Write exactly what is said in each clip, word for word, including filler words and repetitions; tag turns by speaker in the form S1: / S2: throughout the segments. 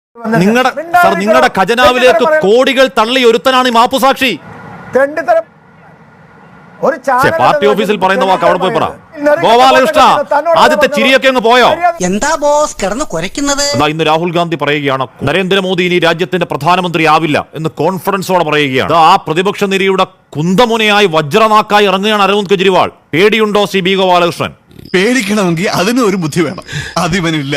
S1: നിങ്ങളുടെ സർ നിങ്ങളുടെ ഖജനാവിലേക്ക് കോടികൾ തള്ളി ഒരുത്തനാണ് ഈ മാപ്പുസാക്ഷി. പാർട്ടി ഓഫീസിൽ പറയുന്ന വാക്ക് അവിടെ പോയി പറ. ഗോപാലകൃഷ്ണ ആദ്യത്തെ ചിരിയൊക്കെ അങ്ങ് പോയോ?
S2: എന്താ ബോസ് കിടന്ന് കുരയ്ക്കുന്നത്?
S1: ഇന്ന് രാഹുൽ ഗാന്ധി പറയുകയാണ് നരേന്ദ്രമോദി ഇനി രാജ്യത്തിന്റെ പ്രധാനമന്ത്രി ആവില്ല എന്ന് കോൺഫിഡൻസോടെ പറയുകയാണ്. ആ പ്രതിപക്ഷ നിരയുടെ കുന്തമുനയായി വജ്രനാക്കായി ഇറങ്ങുകയാണ് അരവിന്ദ് കെജ്രിവാൾ. പേടിയുണ്ടോ ശ്രീ ബി ഗോപാലകൃഷ്ണൻ?
S3: പേടിക്കണമെങ്കിൽ അതിന് ഒരു ബുദ്ധി വേണം, അതിവനില്ല.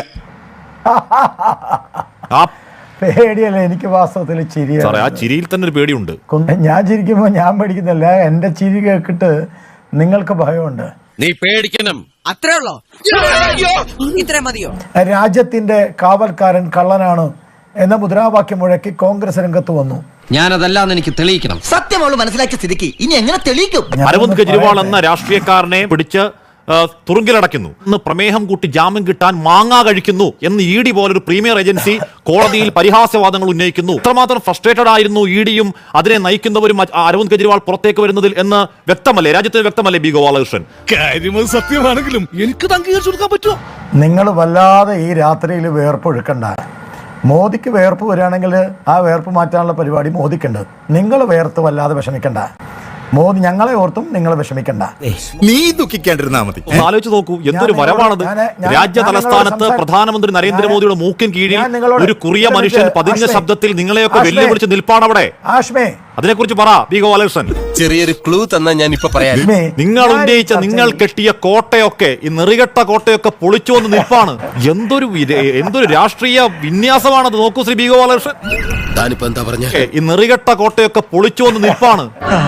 S4: പേടിയല്ല, എനിക്ക് വാസ്തവത്തിൽ ചിരി.
S1: ആ ചിരിയിൽ തന്നെ ഒരു പേടിയുണ്ട്.
S4: ഞാൻ ചിരിക്കുമ്പോൾ ഞാൻ പേടിക്കുന്നില്ല, എന്റെ ചിരി കേട്ടിട്ട് നിങ്ങൾക്ക് ഭയമുണ്ട്.
S5: നീ പേടിക്കണം,
S2: അത്രേ ഉള്ളോ? ഇത്രേ മതിയോ?
S4: രാജ്യത്തിന്റെ കാവൽക്കാരൻ കള്ളനാണ് എന്ന മുദ്രാവാക്യം മുഴക്കി കോൺഗ്രസ് രംഗത്ത് വന്നു.
S5: ഞാനതല്ലാന്ന് എനിക്ക് തെളിയിക്കണം.
S2: സത്യമോള് മനസ്സിലാക്കിയ സ്ഥിതിക്ക് ഇനി എങ്ങനെ തെളിയിക്കും?
S1: അരവിന്ദ് കെജ്രിവാൾ എന്ന രാഷ്ട്രീയക്കാരനെ പിടിച്ച് തുറുങ്കിലടയ്ക്കുന്നു എന്ന് പ്രമേഹം കൂട്ടി ജാമ്യം കിട്ടാൻ മാങ്ങാ കഴിക്കുന്നു എന്ന് ഇ ഡി പോലൊരു പ്രീമിയർ ഏജൻസി കോടതിയിൽ പരിഹാസ്യവാദങ്ങൾ ഉന്നയിക്കുന്നു. ഇത്രമാത്രം ഫ്രസ്ട്രേറ്റഡ് ആയിരുന്നു ഇ ഡിയും അതിനെ നയിക്കുന്നവരും അരവിന്ദ് കെജ്രിവാൾ പുറത്തേക്ക് വരുന്നതിൽ എന്ന് വ്യക്തമല്ലേ, രാജ്യത്തിന് വ്യക്തമല്ലേ ബി ഗോപാലകൃഷ്ണൻ?
S3: സത്യമാണെങ്കിലും എനിക്ക് അംഗീകരിച്ചു കൊടുക്കാൻ പറ്റുമോ?
S4: നിങ്ങൾ വല്ലാതെ ഈ രാത്രിയിൽ വേർപ്പൊഴുക്കണ്ട. മോദിക്ക് വേർപ്പ് വരികയാണെങ്കിൽ ആ വേർപ്പ് മാറ്റാനുള്ള പരിപാടി മോദിക്കുണ്ട്. നിങ്ങൾ വേർത്ത് വല്ലാതെ വിഷമിക്കണ്ട. മോദി ഞങ്ങളെ ഓർത്തും നിങ്ങൾ വിഷമിക്കണ്ട.
S3: നീ ദുഃഖിക്കാണ്ടിരുന്നാ മതി.
S1: ആലോചിച്ച് നോക്കൂ, എന്തൊരു വരവാണത്. രാജ്യ തലസ്ഥാനത്ത് പ്രധാനമന്ത്രി നരേന്ദ്രമോദിയുടെ മൂക്കിൻ കീഴിൽ ഒരു കുറിയ മനുഷ്യൻ പതിഞ്ഞ ശബ്ദത്തിൽ നിങ്ങളെയൊക്കെ വെല്ലുവിളിച്ച് നിൽപ്പാണ് അവിടെ. അതിനെക്കുറിച്ച് പറ ബി ഗോപാലകൃഷ്ണൻ.
S5: ചെറിയൊരു ക്ലൂ തന്നാ ഞാൻ ഇപ്പൊ പറയാം.
S1: നിങ്ങൾ ഉന്നയിച്ച നിങ്ങൾ കെട്ടിയ കോട്ടയൊക്കെ, ഈ നെറികെട്ട കോട്ടയൊക്കെ പൊളിച്ചു വന്ന് നിൽപ്പാണ്. എന്തൊരു എന്തൊരു രാഷ്ട്രീയ വിന്യാസമാണത്. നോക്കൂ ശ്രീ ബി ഗോപാലകൃഷ്ണൻ, ഈ നെറികെട്ട കോട്ടയൊക്കെ പൊളിച്ചു വന്ന് നിൽപ്പാണ്.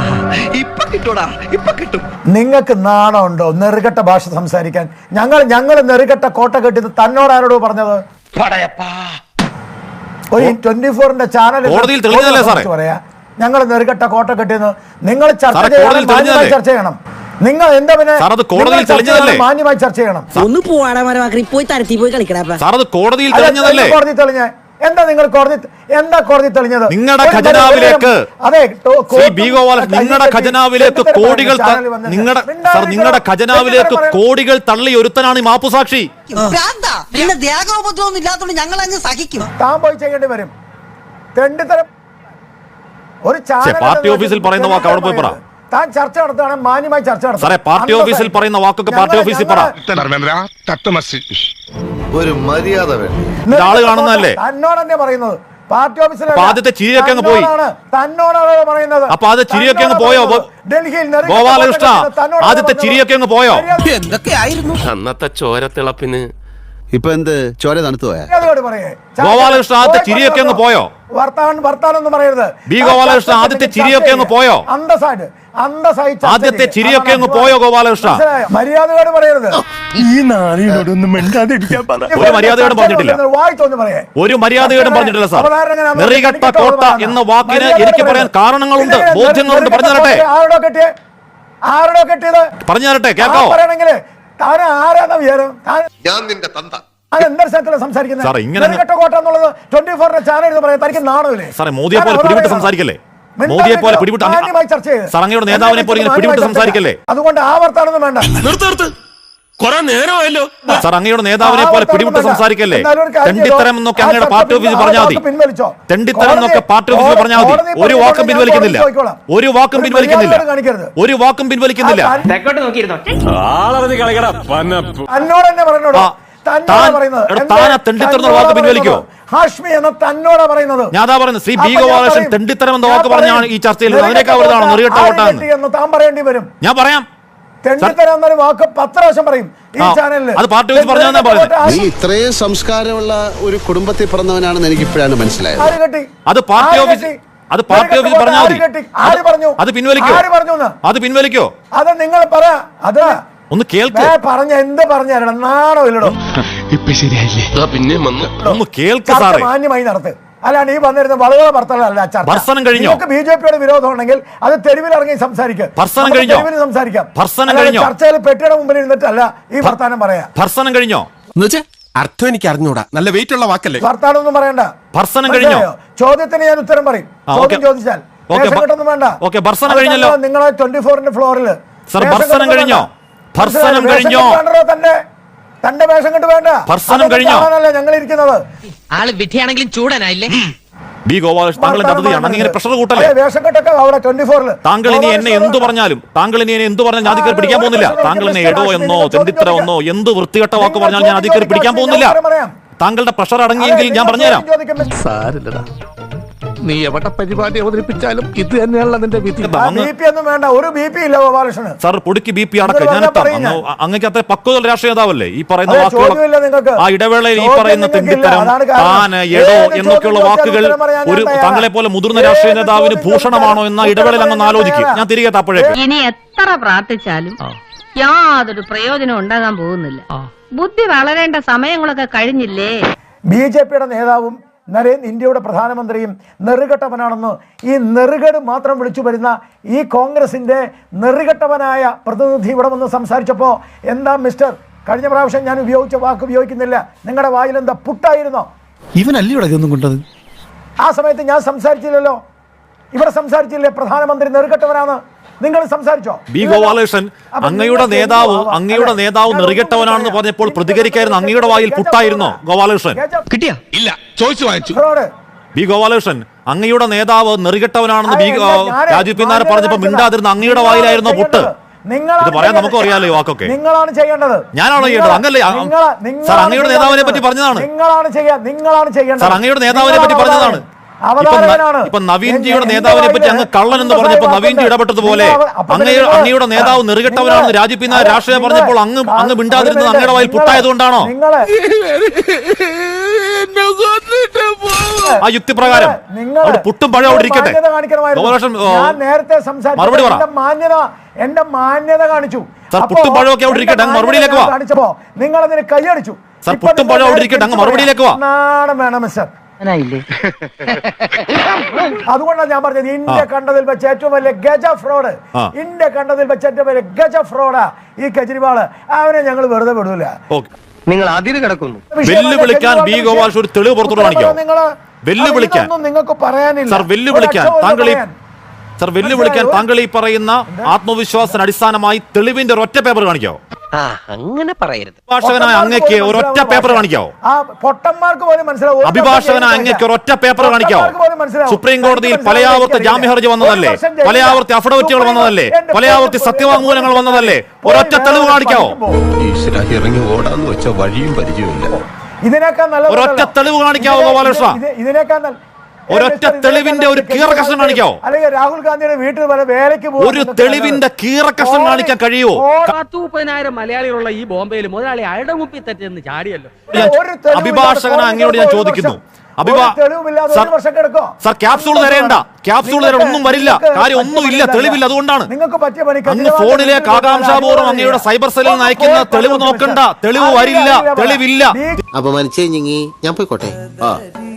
S4: നിങ്ങൾക്ക് നാണമുണ്ടോ നെറുകെട്ട ഭാഷ സംസാരിക്കാൻ? ഞങ്ങൾ ഞങ്ങൾ നെറുകെട്ട കോട്ട കെട്ടിയത് തന്നോട് ആരോടോ പറഞ്ഞത്? ഒരു ട്വന്റി ഫോറിന്റെ ചാനൽ പറയാ ഞങ്ങൾ നെറുകെട്ട കോട്ട കെട്ടിയെന്ന്. നിങ്ങൾ ചർച്ച ചെയ്യണം, ചർച്ച ചെയ്യണം. നിങ്ങൾ എന്താ പിന്നെ മാന്യമായി ചർച്ച ചെയ്യണം.
S2: ഒന്ന് പോവാടാ പോയി തരത്തി പോയി കളിക്കടാ.
S1: കോടതിയിൽ കോടതി
S4: തെളിഞ്ഞ എന്താ നിങ്ങൾ കോടതി എന്താ കോടതി തെളിഞ്ഞത്?
S1: നിങ്ങളുടെ ഖജനാവിലേക്ക് അതെ നിങ്ങളുടെ ഖജനാവിലേക്ക് കോടികൾ നിങ്ങളുടെ സർ നിങ്ങളുടെ ഖജനാവിലേക്ക് കോടികൾ തള്ളി ഒരുത്തനാണ് ഈ മാപ്പുസാക്ഷി.
S2: പിന്നെ ദേഹോപദ്രവൊന്നും ഇല്ലാത്തതുകൊണ്ട് ഞങ്ങൾ അങ്ങ് സഹിക്കും.
S4: താൻ പോയി ചെയ്യേണ്ടി വരും. തെണ്ടിത്തരം. ഒരു
S1: പാർട്ടി ഓഫീസിൽ പറയുന്ന വാക്ക് അവിടെ പോയി പറ.
S4: താൻ ചർച്ച നടത്തുകയാണ്, മാന്യമായി ചർച്ച നടത്തും.
S1: സാറേ പാർട്ടി ഓഫീസിൽ പറയുന്ന വാക്കൊക്കെ പാർട്ടി ഓഫീസിൽ പറ.
S3: ഒരു മര്യാദ
S1: ആള് കാണുന്നതല്ലേ?
S4: തന്നോട് തന്നെ പറയുന്നത്. പാർട്ടി ഓഫീസിൽ
S1: ആദ്യത്തെ ചിരിയൊക്കെ അങ്ങ് പോയി.
S4: തന്നോടാണ് പറയുന്നത്.
S1: അപ്പൊ അത് ചിരിയൊക്കെ അങ്ങ് പോയോ
S4: ഡൽഹിയിൽ?
S1: ഗോപാലകൃഷ്ണ ആദ്യത്തെ ചിരിയൊക്കെ അങ്ങ് പോയോ?
S5: എന്തൊക്കെയായിരുന്നു അന്നത്തെ ചോരത്തിളപ്പിന്?
S3: ഇപ്പൊ എന്ത് ചോര തണുത്തു പോയാ?
S1: ഗോപാലകൃഷ്ണ ആദ്യത്തെ ചിരിയൊക്കെ അങ്ങ് പോയോ?
S4: വർത്താനം വർത്താനൊന്നും പറയരുത്.
S1: ബി ഗോപാലകൃഷ്ണ ആദ്യത്തെ ചിരിയൊക്കെ അങ്ങ് പോയോ?
S4: അന്തസ്സായിട്ട് അന്തസ്സായിട്ട്
S1: ആദ്യത്തെ ചിരിയൊക്കെ അങ്ങ് പോയോ ഗോപാലകൃഷ്ണ?
S4: മര്യാദയോട് പറയരുത്.
S3: ഈ നാളിനോടൊന്നും മിണ്ടാതിരിക്കാൻ പറ.
S1: ഒരു മര്യാദയോടും പറഞ്ഞിട്ടില്ല.
S4: വായിച്ചോന്ന് പറയേ.
S1: ഒരു മര്യാദയോടും പറഞ്ഞിട്ടില്ല സാർ. നെറികെട്ട കോട്ട എന്ന വാക്കിന് എനിക്ക് പറയാൻ കാരണങ്ങളുണ്ട്, ബോധ്യങ്ങളുണ്ട്. പറഞ്ഞു തരട്ടെ.
S4: ആരോടോ കെട്ടിയ ആരോടോ കെട്ടിയത് പറഞ്ഞു
S1: തരട്ടെ, കേൾക്കാവോ?
S4: പറയണെങ്കിൽ താൻ ആരാന്ന വിചാരം?
S3: ഞാൻ നിന്റെ തന്ത.
S4: സംസാരിക്കുന്നത്
S1: സാറേ മോദിയെ പോലെ പിടിവിട്ട് സംസാരിക്കല്ലേ? മോദിയെ പോലെ പിടിവിട്ട് അങ്ങയുടെ നേതാവിനെ പോലെ പിടിവിട്ട് സംസാരിക്കല്ലേ?
S4: അതുകൊണ്ട് ആവർത്താനൊന്നും വേണ്ട.
S1: സാർ അങ്ങയുടെ നേതാവിനെ പോലെ പിടിവിട്ട് സംസാരിക്കല്ലേ? തെണ്ടിത്തരം എന്നൊക്കെ അങ്ങയുടെ പാർട്ടി ഓഫീസിൽ പറഞ്ഞാൽ മതി. തെണ്ടിത്തരം എന്നൊക്കെ പാർട്ടി ഓഫീസിൽ പറഞ്ഞാൽ മതി. ഒരു വാക്കും പിൻവലിക്കുന്നില്ല, ഒരു വാക്കും പിൻവലിക്കുന്നില്ല, ഒരു വാക്കും പിൻവലിക്കുന്നില്ല.
S4: എന്നോട് തന്നെ പറഞ്ഞോളൂ. ഹാഷ്മി എന്ന തന്നോടാ പറയുന്നത്.
S1: ഞാൻ പറയുന്നത് ശ്രീ ബി ഗോപാലകൃഷ്ണൻ തെണ്ടിത്തരം എന്ന വാക്ക് പറഞ്ഞാണ് ഈ ചർച്ചയിൽ. അതിനേക്കാൾ
S4: താൻ പറയേണ്ടി വരും.
S1: ഞാൻ പറയാം.
S4: തെണ്ടിത്തരം എന്നൊരു വാക്ക് പത്ത് പ്രാവശ്യം പറയും ഈ ചാനലിൽ.
S1: അത് പാർട്ടി ഓഫീസ് പറഞ്ഞാൽ
S3: നീ ഇത്രയും സംസ്കാരമുള്ള ഒരു കുടുംബത്തിൽ പിറന്നവനാണെന്ന് എനിക്ക് ഇപ്പോഴാണ് മനസ്സിലായത്.
S1: അത് പാർട്ടി ഓഫീസ് അത് പാർട്ടി ഓഫീസ് പറഞ്ഞാൽ മതി. അത് പിൻവലിക്കോ? അത് പിൻവലിക്കോ?
S4: അത് നിങ്ങൾ പറ. അത്
S1: ഒന്ന് കേൾക്ക്.
S4: പറഞ്ഞ എന്ത് പറഞ്ഞാലോ നാണോ ഇല്ലടോ?
S5: ഇപ്പൊ ശരിയായില്ലേ? പിന്നെ
S1: ഒന്ന് കേൾക്ക് സാറേ.
S4: മാന്യമായി നടത്ത്. അല്ലാണ്ട് ഈ വന്നിരുന്ന വളരെ ഭർത്തലല്ല ചർച്ച.
S1: ഭർസനം കഴിഞ്ഞോ?
S4: ബി ജെ പിയുടെ വിരോധം ഉണ്ടെങ്കിൽ അത് തെരുവിൽ ഇറങ്ങി സംസാരിക്കാം.
S1: ഭർസനം കഴിഞ്ഞോ?
S4: തെരുവിൽ സംസാരിക്കാം.
S1: ഭർസനം കഴിഞ്ഞോ?
S4: ചർച്ചയിൽ പെട്ടിയുടെ മുമ്പിൽ ഇരുന്നിട്ടല്ല ഈ വർത്താനം പറയാ.
S1: ഭർസനം കഴിഞ്ഞോ?
S5: അർത്ഥം എനിക്ക് അറിഞ്ഞൂടാ. നല്ല വെയിറ്റ് ഉള്ള വാക്കല്ലേ?
S4: വർത്താനം ഒന്നും പറയണ്ട.
S1: ഭർസനം കഴിഞ്ഞോ?
S4: ചോദ്യത്തിന് ഞാൻ ഉത്തരം പറയും. ചോദ്യം ചോദിച്ചാൽ ഒന്നും വേണ്ട. നിങ്ങളെ ട്വന്റി ഫോറിന്റെ ഫ്ലോറിൽ
S1: ഭർസനം കഴിഞ്ഞോ? ഭർസനം കഴിഞ്ഞോ?
S4: തന്നെ തന്റെ വേഷം കെട്ട് വേണ്ട.
S1: ഭർസനം കഴിഞ്ഞോ?
S4: ഞങ്ങൾ ഇരിക്കുന്നത്
S2: ആള് വിധിയാണെങ്കിലും ചൂടനായില്ലേ?
S1: ബി ഗോപാലകൃഷ്ണൻ താങ്കൾ എന്റെ അതിഥിയാണ്. അങ്ങനെ പ്രഷർ കൂട്ടല്ലേ?
S4: വേഷം കെട്ടൊക്കെ അവിടെ ട്വന്റി ഫോറിൽ
S1: താങ്കൾ ഇനി എന്നെ എന്ത് പറഞ്ഞാലും താങ്കൾ ഇനി എന്നെ എന്ത് പറഞ്ഞാലും ഞാൻ അധികാരം പിടിക്കാൻ പോകുന്നില്ല. താങ്കൾ എന്നെ എടോ എന്നോ തെണ്ടിത്തര എന്നോ എന്ത് വൃത്തികെട്ട വാക്ക് പറഞ്ഞാൽ ഞാൻ അധികാരം പിടിക്കാൻ പോകുന്നില്ല. താങ്കളുടെ പ്രഷർ അടങ്ങിയെങ്കിൽ ഞാൻ പറഞ്ഞുതരാം.
S6: സാരില്ലടാ, നീ എവിടെ പരിപാടി അവതരിപ്പിച്ചാലും ഇത് തന്നെയാണല്ലോ നിന്റെ വിധി.
S4: ബി പി ഒന്നും വേണ്ട, ഒരു ബി പി ഇല്ല ഗോപാലകൃഷ്ണൻ.
S1: സാർ പൊടിക്ക് ബി പി അടക്കം ഞാനെത്താം. അങ്ങക്ക് അത്ര പക്വത രാഷ്ട്രീയ നേതാവല്ലേ? ഈ പറയുന്ന വാക്കുകൾ ആ ഇടവേളയിൽ ഈ പറയുന്ന തെണ്ടിത്തരം, താൻ, എടോ എന്നൊക്കെയുള്ള വാക്കുകൾ ഒരു താങ്കളെ പോലെ മുതിർന്ന രാഷ്ട്രീയ നേതാവിന് ഭൂഷണമാണോ എന്ന ഇടവേളയിൽ അങ്ങ് ആലോചിക്കും. ഞാൻ തിരികെ തപ്പോഴേക്ക്
S7: ഇനി എത്ര പ്രാർത്ഥിച്ചാലും യാതൊരു പ്രയോജനം ഉണ്ടാകാൻ പോകുന്നില്ല. ബുദ്ധി വളരേണ്ട സമയങ്ങളൊക്കെ കഴിഞ്ഞില്ലേ?
S4: ബി ജെ പിയുടെ നേതാവും നരേന്ദ്ര ഇന്ത്യയുടെ പ്രധാനമന്ത്രിയും നെറുകെട്ടവനാണെന്ന് ഈ നെറുകേട് മാത്രം വിളിച്ചു വരുന്ന ഈ കോൺഗ്രസിന്റെ നെറുകെട്ടവനായ പ്രതിനിധി ഇവിടെ വന്ന് സംസാരിച്ചപ്പോൾ എന്താ മിസ്റ്റർ, കഴിഞ്ഞ പ്രാവശ്യം ഞാൻ ഉപയോഗിച്ച വാക്ക് ഉപയോഗിക്കുന്നില്ല, നിങ്ങളുടെ വായിൽ എന്താ പുട്ടായിരുന്നോ?
S6: ഇവനല്ലേ ഇവിടെ ഇതൊന്നും കൊണ്ടത്?
S4: ആ സമയത്ത് ഞാൻ സംസാരിച്ചില്ലല്ലോ, ഇവിടെ സംസാരിച്ചില്ലേ പ്രധാനമന്ത്രി നെറുകെട്ടവനാണ്? നിങ്ങൾ സംസാരിച്ചോ?
S1: ബി ഗോപാലകൃഷ്ണൻ അങ്ങയുടെ നേതാവ് അങ്ങയുടെ നേതാവ് നെറുകെട്ടവനാണെന്ന് പറഞ്ഞപ്പോൾ പ്രതികരിക്കായിരുന്നു അങ്ങയുടെ വായിൽ പുട്ടായിരുന്നോ ഗോപാലകൃഷ്ണൻ?
S5: കിട്ടിയാ? ഇല്ല, ചോദിച്ചു വാങ്ങിച്ചു.
S1: ബി ഗോപാലകൃഷ്ണൻ അങ്ങയുടെ നേതാവ് നെറുകെട്ടവനാണെന്ന് ബി രാജീവ് പി നായർ പറഞ്ഞപ്പോൾ മിണ്ടാതിരുന്ന അങ്ങയുടെ വായിലായിരുന്നോ പുട്ട്? ഇത് പറയാൻ നമുക്ക് അറിയാലോ ഈ വാക്കൊക്കെ.
S4: നിങ്ങളാണ് ചെയ്യേണ്ടത്.
S1: ഞാനാണോ ചെയ്യേണ്ടത്? അങ്ങല്ലേ സാർ, അങ്ങയുടെ നേതാവിനെ പറ്റി പറഞ്ഞതാണ്.
S4: നിങ്ങളാണ് ചെയ്യാ നിങ്ങളാണ് ചെയ്യേണ്ടത്.
S1: സാർ, അങ്ങയുടെ നേതാവിനെ പറ്റി പറഞ്ഞതാണ്. ഇപ്പൊ നവീൻജിയുടെ നേതാവിനെ പറ്റി അങ്ങ് കള്ളൻ എന്ന് പറഞ്ഞപ്പോ നവീൻജി ഇടപെട്ടതുപോലെ അങ്ങയുടെ അങ്ങയുടെ നേതാവ് നെറുകെട്ടവനാണെന്ന് രാജീവ് പി നായർ രാഷ്ട്രീയം പറഞ്ഞപ്പോൾ അങ്ങ് അങ്ങ് മിണ്ടാതിരുന്നത് അങ്ങയുടെ വായിൽ പുട്ടായതുകൊണ്ടാണോ? ആ യുക്തിപ്രകാരം അവിടെ പുട്ടും പഴം അവിടെ ഇരിക്കട്ടെ.
S4: നേരത്തെ
S1: മറുപടി പറ.
S4: മാന്യത എന്റെ മാന്യത കാണിച്ചു.
S1: സാർ, പുട്ടും പഴമൊക്കെ അവിടെ ഇരിക്കട്ടെ, അങ്ങ് മറുപടിയിലേക്ക് വാ.
S4: കാണിച്ചപ്പോ നിങ്ങൾ അതിന് കൈയടിച്ചു.
S1: സാർ, പുട്ടും പഴം അവിടെ ഇരിക്കട്ടെ, അങ്ങ് മറുപടിയിലേക്ക് വാ.
S4: നാണം വേണം മിസ്റ്റർ. അതുകൊണ്ടാണ് ഞാൻ പറഞ്ഞത് ഇന്ത്യ കണ്ടതിൽ വെച്ച് ഏറ്റവും വലിയ ഗജ ഫ്രോഡ്, ഇന്ത്യ കണ്ടതിൽ വെച്ച് ഏറ്റവും വലിയ ഗജ ഫ്രോഡാ ഈ കെജ്രിവാള്. അവനെ ഞങ്ങൾ വെറുതെ വിടൂല.
S2: നിങ്ങൾ അതിര് കിടക്കുന്നു.
S1: വെല്ലുവിളിക്കാൻ ബി ഗോപാൽ ഒരു തെളിവ് പുറത്തോട്ട് കാണിക്കോ? വെല്ലുവിളിക്കാൻ
S4: നിങ്ങൾക്ക് പറയാനില്ല.
S1: സാർ, വെല്ലുവിളിക്കാൻ താങ്കൾ ഈ സാർ വെല്ലുവിളിക്കാൻ താങ്കൾ ഈ പറയുന്ന ആത്മവിശ്വാസത്തിന് അടിസ്ഥാനമായി തെളിവിന്റെ ഒരൊറ്റ പേപ്പർ കാണിക്കാവോ?
S2: അങ്ങനെ പറയരുത്.
S1: അഭിഭാഷകനായ അങ്ങക്ക് ഒരൊറ്റ പേപ്പർ കാണിക്കാവോ?
S4: പൊട്ടന്മാർക്ക് പോലും മനസ്സിലാവും.
S1: അഭിഭാഷകനായ അങ്ങക്ക് ഒരൊറ്റ പേപ്പർ കാണിക്കാവോ? സുപ്രീം കോടതിയിൽ പലയാവർത്തി ജാമ്യ ഹർജി വന്നതല്ലേ? പലയാവർത്തി അഫിഡവിറ്റുകൾ വന്നതല്ലേ? പലയാവർത്തി സത്യവാങ്മൂലങ്ങൾ വന്നതല്ലേ? ഒരൊറ്റ തെളിവ് കാണിക്കാവോ?
S5: ഇറങ്ങി ഓടാന്ന് വെച്ച വഴിയും പരിചയമില്ല.
S4: ഇതിനേക്കാൾ നല്ല
S1: ഒരൊറ്റ തെളിവ് കാണിക്കാവോ ഗോപാലകൃഷ്ണ?
S4: ഇതിനേക്കാൾ
S1: ഒരൊറ്റ തെളിവിന്റെ ഒരു കീറക്കഷ്ണം കാണിക്കാവോ?
S4: അല്ലെങ്കിൽ രാഹുൽ ഗാന്ധിയുടെ വീട്ടിൽ വരെ വേലയ്ക്ക്
S1: ഒരു തെളിവിന്റെ കീറക്കഷ്ണം കാണിക്കാൻ കഴിയുമോ?
S8: പത്ത് മുപ്പതിനായിരം മലയാളികളുള്ള ഈ ബോംബെയിൽ മുതലാളി അയാളുടെ മുപ്പിൽ തെറ്റെന്ന് ചാടിയല്ലോ.
S1: അഭിഭാഷകന അങ്ങയോട് ഞാൻ ചോദിക്കുന്നു, സാർ ക്യാപ്സൂൾ തരേണ്ട, ക്യാപ്സൂൾ തരേണ്ട, ഒന്നും വരില്ല, കാര്യം ഒന്നും ഇല്ല, തെളിവില്ല. അതുകൊണ്ടാണ് അങ്ങ് ഫോണിലേക്ക് ആകാംക്ഷാപൂർവ്വം അങ്ങയുടെ സൈബർ സെല്ലിൽ നിന്ന് അയക്കുന്ന തെളിവ് നോക്കണ്ട, തെളിവ് വരില്ല, തെളിവില്ല.
S3: അപമാനിച്ചേ ഞാൻ പോയിക്കോട്ടെ.